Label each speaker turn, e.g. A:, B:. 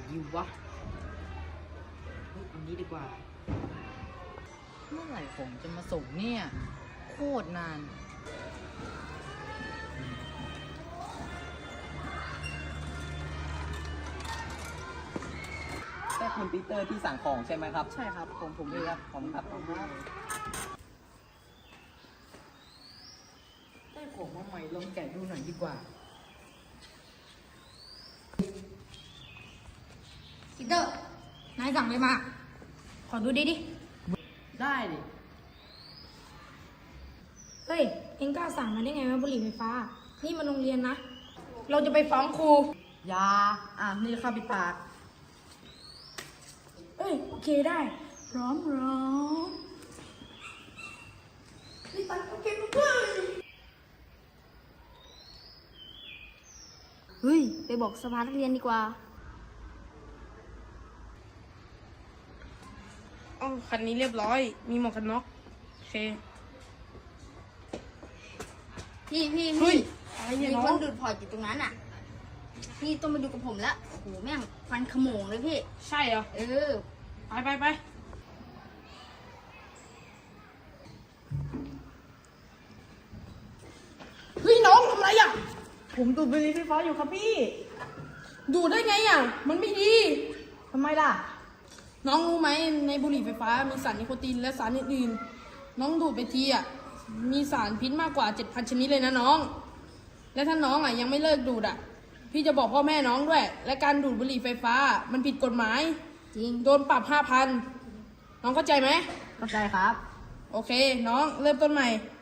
A: ดีวะอันนี้ดีกว่าเมื่อไหร่ผมจะมาส่งเนี่ยโคตรนาน
B: ใช่คุณปีเตอร์ที่สั่งของใช่ไหมครับ
A: ใช่ครับผมเลยครับผมครับได้ของมาใหม่ลองแกะดูหน่อยดีกว่า
C: ปีเตอร์นายสั่งอะไรมา ขอดูดิ
A: ได้ดิ
C: เฮ้ย เอ็งกล้าสั่งมาได้ไงวะบุหรี่ไฟฟ้า นี่มันโรงเรียนนะ เราจะไปฟ้องครู
A: ยานี่ข้าปิดปาก
C: เอ้ย โอเคได้ พร้อมนี่ตัดโอเคเพื่อนเฮ้ย ไปบอกสภานักเรียนดีกว่า
D: อ๋อคันนี้เรียบร้อย มีหมวกกันน็อกโอเค
C: พี่
D: เฮ้ยอะไรเนี่ย
C: มี
D: น้
C: ค
D: อน ง
C: ดูดพอร์ตอยู่ตรงนั้นอ่ะ พี่ต้องมาดูกับผมละโอ้โหแม่งฟันขโมงเลยพี่
D: ใช่เหรอ
C: เออ
D: ไป เฮ้ยน้องทำไรอ่ะ ผมดูดบุหรี่ไฟฟ้าอยู่ครับพี่ ดูดได้ไงอ่ะ มันไม่ดีทำไมล่ะ น้องรู้ไหมในบุหรี่ไฟฟ้ามีสารนิโคตินและสารอื่นๆ น้องดูดไปทีอ่ะ มีสารพิษมากกว่า 7,000 ชนิดเลยนะน้อง และถ้าน้องอ่ะยังไม่เลิกดูดอ่ะ พี่จะบอกพ่อแม่น้องด้วย และการดูดบุหรี่ไฟฟ้ามันผิดกฎหมาย
C: จริง
D: โดนปรับ 5,000 น้องเข้าใจไหม
A: เข้าใจครับ
D: โอเค น้องเริ่มต้นใหม่